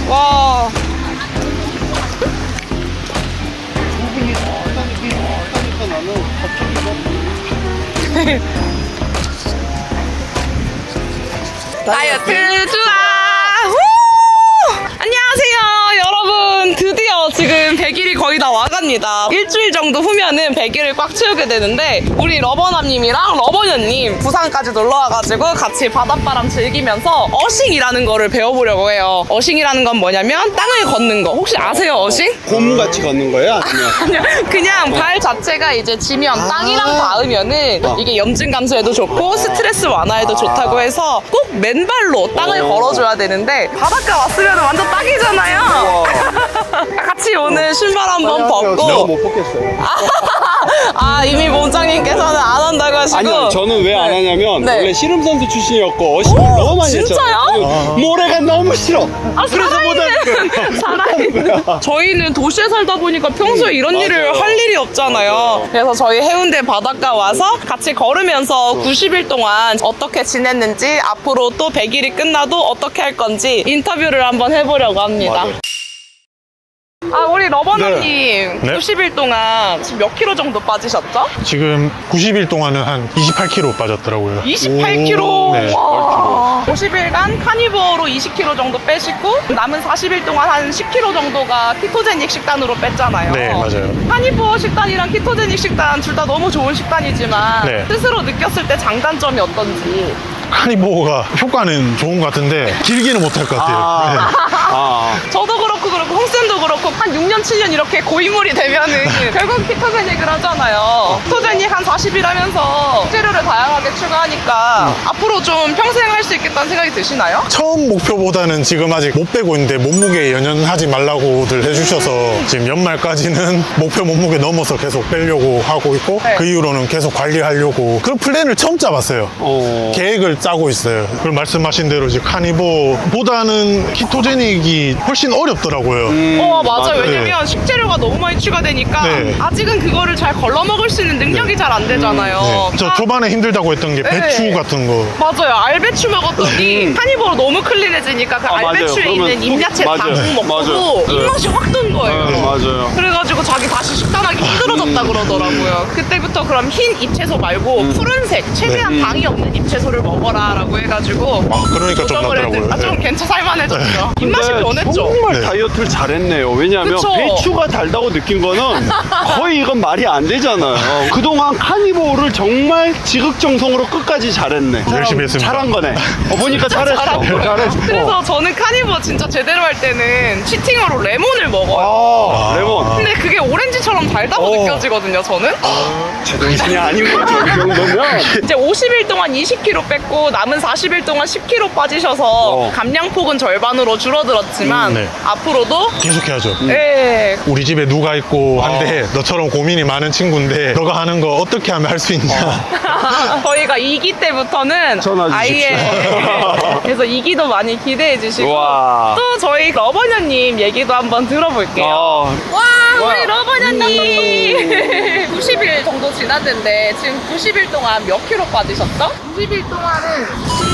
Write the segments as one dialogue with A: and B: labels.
A: 와.
B: 나는 갑자기
A: 다이어트 좋아. 안녕하세요 여러분. 드디어 지금 100일이 거의 다 와갑니다. 일주일 정도 후면은 100일을 꽉 채우게 되는데 우리 러버남님이랑 러버녀님 부산까지 놀러와가지고 같이 바닷바람 즐기면서 어싱이라는 거를 배워보려고 해요. 어싱이라는 건 뭐냐면 땅을 걷는 거. 혹시 아세요 어싱?
B: 곰같이 걷는 거예요? 아니면
A: 아니요. 그냥 발 자체가 이제 지면 땅이랑 닿으면은 이게 염증 감소에도 좋고 스트레스 완화에도 좋다고 해서 꼭 맨발로 땅을 걸어줘야 되는데 바닷가 왔으면 완전 딱이잖아요. 같이 오늘 신발 한번
B: 내가
A: 벗고.
B: 못 벗겠어요.
A: 아 이미 몸장님께서는 안 한다고 하시고.
B: 아니요, 저는 왜 안 하냐면
A: 네.
B: 원래 씨름 선수 출신이었고 어식을 너무 많이
A: 진짜요?
B: 했잖아요. 모래가 너무 싫어. 그래서 못 하는 거예요.
A: 살아있는. 저희는 도시에 살다 보니까 평소에 이런 일을
B: 맞아요.
A: 할 일이 없잖아요. 그래서 저희 해운대 바닷가 와서 같이 걸으면서 90일 동안 어떻게 지냈는지 앞으로 또 100일이 끝나도 어떻게 할 건지 인터뷰를 한번 해보려고 합니다.
B: 맞아요.
A: 아 우리 러버너님
C: 네.
A: 90일 동안 지금 몇 킬로 정도 빠지셨죠?
C: 지금 90일 동안은 한 28kg 빠졌더라고요.
A: 28kg.
C: 네.
A: 와. 50일간 카니버로 20kg 정도 빼시고 남은 40일 동안 한 10kg 정도가 키토제닉 식단으로 뺐잖아요.
C: 네, 맞아요.
A: 카니버 식단이랑 키토제닉 식단 둘 다 너무 좋은 식단이지만
C: 네.
A: 스스로 느꼈을 때 장단점이 어떤지.
C: 카니보가 효과는 좋은 것 같은데 길게는 못할 것 같아요.
B: 아,
A: 저도 그렇고 홍쌤도 그렇고 한 6년 7년 이렇게 고인물이 되면은 결국 키토제닉을 하잖아요. 키토제닉 한 40일 하면서 재료를 다양하게 추가하니까 앞으로 좀 평생 할 수 있겠다는 생각이 드시나요?
C: 처음 목표보다는 지금 아직 못 빼고 있는데 몸무게 연연하지 말라고들 해주셔서 지금 연말까지는 목표 몸무게 넘어서 계속 빼려고 하고 있고
A: 네.
C: 그 이후로는 계속 관리하려고 그런 플랜을 처음 짜봤어요. 계획을 짜고 있어요. 그리고 말씀하신 대로 이제 카니보보다는 키토제닉이 훨씬 어렵더라고요.
A: 맞아요.
B: 맞아요.
A: 왜냐면 식재료가 너무 많이 추가되니까
C: 네.
A: 아직은 그거를 잘 걸러 먹을 수 있는 능력이 잘 안 되잖아요.
C: 네. 저 초반에 힘들다고 했던 게 배추
A: 네.
C: 같은 거.
A: 맞아요. 알배추 먹었더니 카니버로 너무 클린해지니까 그
B: 맞아요.
A: 알배추에
B: 그러면
A: 있는 잎야채
B: 맞아요.
A: 당 먹고
B: 맞아요. 네.
A: 입맛이 확 든 거예요.
B: 맞아요.
A: 그래가지고 자기 다시 식단하기 힘들어졌다 그러더라고요. 그때부터 그럼 흰 잎채소 말고 푸른색 최대한 당이 없는 잎채소를 먹어라 라고 해가지고
C: 그러니까 좀
A: 조정을
C: 낫더라고요.
A: 좀
C: 네.
A: 괜찮살만해졌죠. 입맛이
B: 근데
A: 변했죠.
B: 정말
C: 네.
B: 다이어트를 잘했네요. 왜냐하면
A: 그쵸?
B: 배추가 달다고 느낀 거는 거의 이건 말이 안 되잖아요. 그동안 카니보를 정말 지극정성으로 끝까지 잘했네.
C: 열심히 했습니다.
B: 잘한 거네. 보니까 잘했어. 잘했어.
A: 그래서 저는 카니버 진짜 제대로 할 때는 치팅으로 레몬을 먹어요.
B: 레몬.
A: 근데 그게 오렌지처럼 달다고 느껴지거든요, 저는.
B: 제정신이 아닌 거죠. 이 정도면.
A: 이제 50일 동안 20kg 뺐고 남은 40일 동안 10kg 빠지셔서 감량폭은 절반으로 줄어들었지만
C: 네.
A: 앞으로도
C: 계속해야죠.
A: 예.
C: 우리 집에 누가 있고 한데 너처럼 고민이 많은 친구인데 너가 하는 거 어떻게 하면 할 수 있냐.
A: 저희가 2기 때부터는
B: 전화 주십시오.
A: 그래서 2기도 많이 기대해 주시고
B: 와.
A: 또 저희 러버녀님 얘기도 한번 들어볼게요. 와, 우리 러버녀님 90일 정도 지났는데 지금 90일 동안 몇 킬로 빠지셨죠? 90일 동안은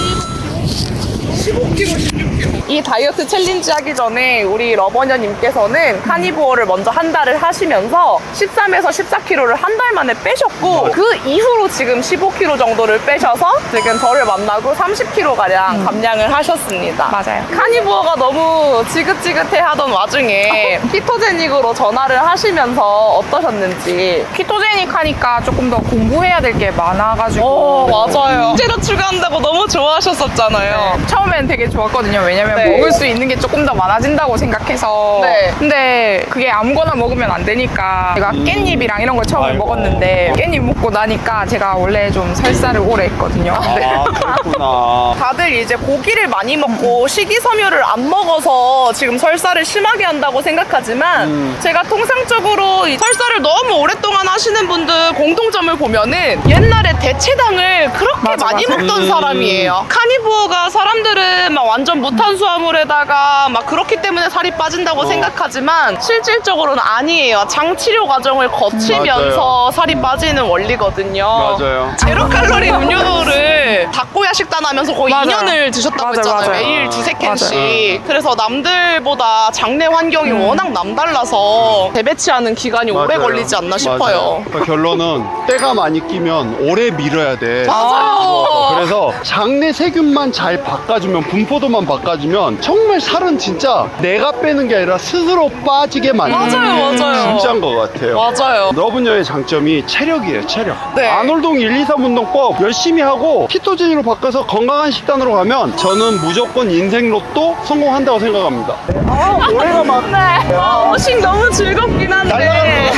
A: 15kg, 16kg. 이 다이어트 챌린지 하기 전에 우리 러버녀님께서는 카니보어를 먼저 한 달을 하시면서 13에서 14kg를 한 달 만에 빼셨고 그 이후로 지금 15kg 정도를 빼셔서 지금 저를 만나고 30kg가량 감량을 하셨습니다.
D: 맞아요.
A: 카니보어가 너무 지긋지긋해 하던 와중에 키토제닉으로 전화를 하시면서 어떠셨는지.
D: 키토제닉 하니까 조금 더 공부해야 될 게 많아가지고
A: 맞아요. 식재료 추가한다고 너무 좋아하셨었잖아요.
D: 처음엔 되게 좋았거든요. 왜냐면
A: 네.
D: 먹을 수 있는 게 조금 더 많아진다고 생각해서
A: 네.
D: 근데 그게 아무거나 먹으면 안 되니까 제가 깻잎이랑 이런 걸 처음에 먹었는데 깻잎 먹고 나니까 제가 원래 좀 설사를 오래 했거든요.
B: 아, 그렇구나.
A: 다들 이제 고기를 많이 먹고 식이섬유를 안 먹어서 지금 설사를 심하게 한다고 생각하지만 제가 통상적으로 이 설사를 너무 오랫동안 하시는 분들 공통점을 보면은 옛날에 대체당을 그렇게
D: 맞아,
A: 많이
D: 맞아.
A: 먹던 사람이에요. 카니보어가 사람들은 막 완전 무탄수화 탄수화물에다가 막 그렇기 때문에 살이 빠진다고 생각하지만 실질적으로는 아니에요. 장 치료 과정을 거치면서 살이 빠지는 원리거든요.
B: 맞아요.
A: 제로 칼로리 음료를 닭고야 식단하면서 거의
D: 맞아요.
A: 2년을 드셨다고
D: 맞아요,
A: 했잖아요.
D: 맞아요.
A: 매일 두세 캔씩. 그래서 남들보다 장내 환경이 워낙 남달라서 재배치하는 기간이 오래
B: 맞아요.
A: 걸리지 않나 싶어요.
B: 맞아요. 그러니까 결론은 때가 많이 끼면 오래 밀어야 돼.
A: 맞아요.
B: 그래서 장내 세균만 잘 바꿔주면, 분포도만 바꿔주면 정말 살은 진짜 내가 빼는 게 아니라 스스로 빠지게 만드는
A: 맞아요,
B: 게
A: 맞아요.
B: 진짜인 것 같아요.
A: 맞아요.
B: 러브녀의 장점이 체력이에요, 체력.
A: 네.
B: 아놀동 1, 2, 3 운동법 열심히 하고 키토제닉으로 바꿔서 건강한 식단으로 가면 저는 무조건 인생 로또 성공한다고 생각합니다. 올해가 막
A: 네. 오식 너무 즐겁긴 한데.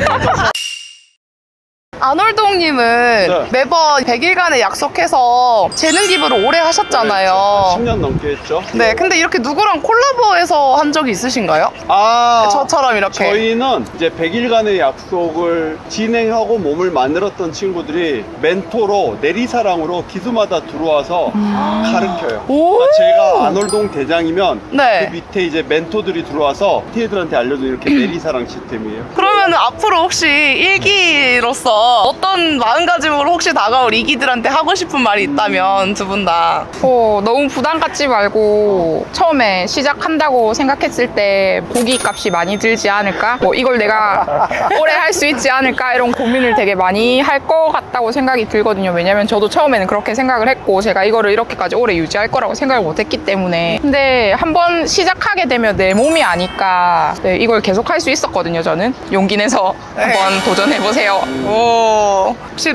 A: 아놀동님은
B: 네.
A: 매번 100일간의 약속해서 재능 기부를 오래 하셨잖아요.
B: 10년 넘게 했죠.
A: 네, 근데 이렇게 누구랑 콜라보해서 한 적이 있으신가요?
B: 아,
A: 저처럼 이렇게.
B: 저희는 이제 100일간의 약속을 진행하고 몸을 만들었던 친구들이 멘토로 내리사랑으로 기수마다 들어와서 가르쳐요.
A: 오!
B: 그러니까 제가 아놀동 대장이면
A: 네.
B: 그 밑에 이제 멘토들이 들어와서 티애들한테 알려준 이렇게 내리사랑 시스템이에요.
A: 그러면 앞으로 혹시 일기로서 어떤 마음가짐으로 혹시 다가올 이기들한테 하고 싶은 말이 있다면 두 분 다.
D: 너무 부담 갖지 말고 처음에 시작한다고 생각했을 때 고기 값이 많이 들지 않을까? 뭐 이걸 내가 오래 할 수 있지 않을까? 이런 고민을 되게 많이 할 것 같다고 생각이 들거든요. 왜냐면 저도 처음에는 그렇게 생각을 했고 제가 이거를 이렇게까지 오래 유지할 거라고 생각을 못 했기 때문에. 근데 한번 시작하게 되면 내 몸이 아니까 네, 이걸 계속 할 수 있었거든요. 저는 용기 내서 한번 도전해보세요.
A: 오, 혹시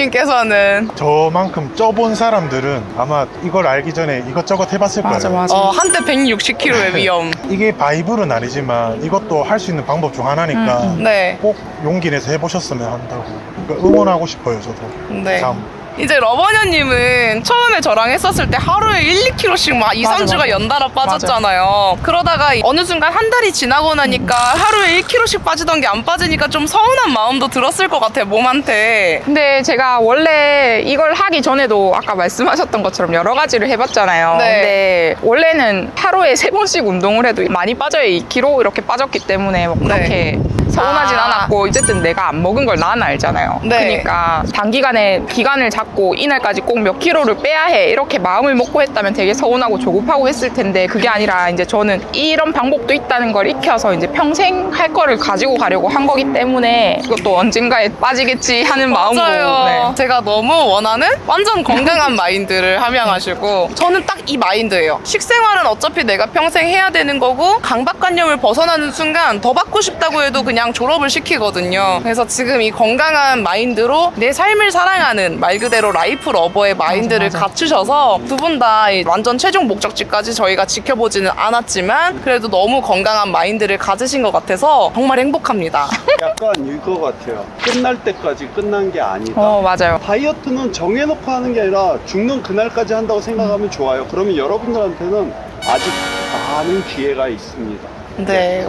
A: 러버남님께서는
C: 저만큼 쪄본 사람들은 아마 이걸 알기 전에 이것저것 해봤을 거예요.
A: 한때 160kg의 위험.
C: 이게 바이블은 아니지만 이것도 할 수 있는 방법 중 하나니까
A: 네.
C: 꼭 용기 내서 해보셨으면 한다고. 그러니까 응원하고 싶어요, 저도.
A: 네.
C: 참.
A: 이제 러버녀님은 처음에 저랑 했었을 때 하루에 1, 2kg씩 막 2,
D: 맞아,
A: 3주가
D: 맞아.
A: 연달아 빠졌잖아요. 그러다가 어느 순간 한 달이 지나고 나니까 하루에 1kg씩 빠지던 게 안 빠지니까 좀 서운한 마음도 들었을 것 같아요, 몸한테.
D: 근데 제가 원래 이걸 하기 전에도 아까 말씀하셨던 것처럼 여러 가지를 해봤잖아요.
A: 네.
D: 근데 원래는 하루에 3번씩 운동을 해도 많이 빠져요. 2kg 이렇게 빠졌기 때문에 뭐 그렇게 서운하진
A: 아.
D: 않았고 어쨌든 내가 안 먹은 걸 나는 알잖아요.
A: 네.
D: 그러니까 단기간에 기간을 잡고 이날까지 꼭 몇 킬로를 빼야 해 이렇게 마음을 먹고 했다면 되게 서운하고 조급하고 했을 텐데 그게 아니라 이제 저는 이런 방법도 있다는 걸 익혀서 이제 평생 할 거를 가지고 가려고 한 거기 때문에 이것도 언젠가에 빠지겠지 하는 마음으로.
A: 맞아요.
D: 네.
A: 제가 너무 원하는 완전 건강한 마인드를 함양하시고 저는 딱 이 마인드예요. 식생활은 어차피 내가 평생 해야 되는 거고 강박관념을 벗어나는 순간 더 받고 싶다고 해도 그냥 졸업을 시키거든요. 그래서 지금 이 건강한 마인드로 내 삶을 사랑하는 말 그대로 라이프 러버의 마인드를 갖추셔서 두 분 다 완전 최종 목적지까지 저희가 지켜보지는 않았지만 그래도 너무 건강한 마인드를 가지신 것 같아서 정말 행복합니다.
B: 약간 이거 같아요. 끝날 때까지 끝난 게 아니다.
D: 맞아요.
B: 다이어트는 정해놓고 하는 게 아니라 죽는 그날까지 한다고 생각하면 좋아요. 그러면 여러분들한테는 아직 많은 기회가 있습니다.
A: 네,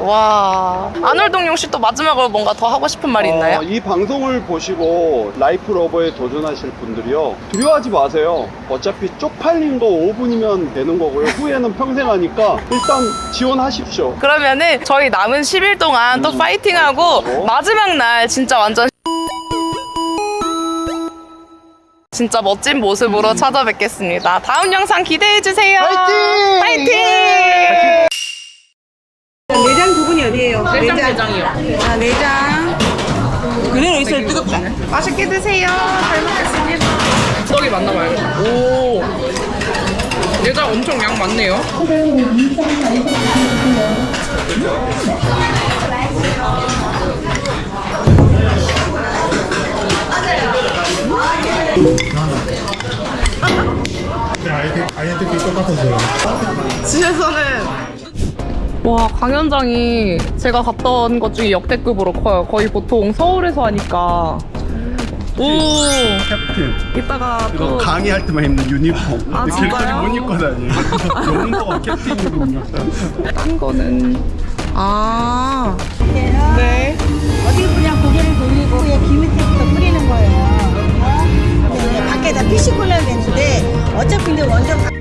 A: 와. 아놀동용 씨 또 마지막으로 뭔가 더 하고 싶은 말이 있나요?
B: 이 방송을 보시고 라이프 러버에 도전하실 분들이요, 두려워하지 마세요. 어차피 쪽팔린 거 5분이면 되는 거고요. 후회는 평생 하니까 일단 지원하십시오.
A: 그러면은 저희 남은 10일 동안 또 파이팅하고 마지막 날 진짜 완전 진짜 멋진 모습으로 찾아뵙겠습니다. 다음 영상 기대해주세요.
B: 파이팅!
A: 파이팅!
E: 내장 부분이 어디예요?
A: 내장이요.
E: 아, 내장. 그대로 있어야 뜨겁다.
A: 맛있게 드세요. 잘 먹겠습니다. 떡이 맞나 봐요. 오. 내장 엄청 양 많네요.
C: 아이언티키 똑같아서요.
A: 집에서는 와, 강연장이 제가 갔다 온 것 중에 역대급으로 커요. 거의 보통 서울에서 하니까. 오,
B: 캡틴.
A: 이따가
B: 이거
A: 또
B: 강의할 때만 입는 유니폼.
A: 아,
B: 길거리
A: 진짜요?
B: 못 입고 다녀요. 영도가 캡틴이군요.
A: 딴 거는 아, 네.
E: 어디 그냥 고개를 돌리고 그냥 귀 밑에부터 뿌리는 거예요. 네, 밖에다 피시 콜라야 되는데 어차피 근데 원전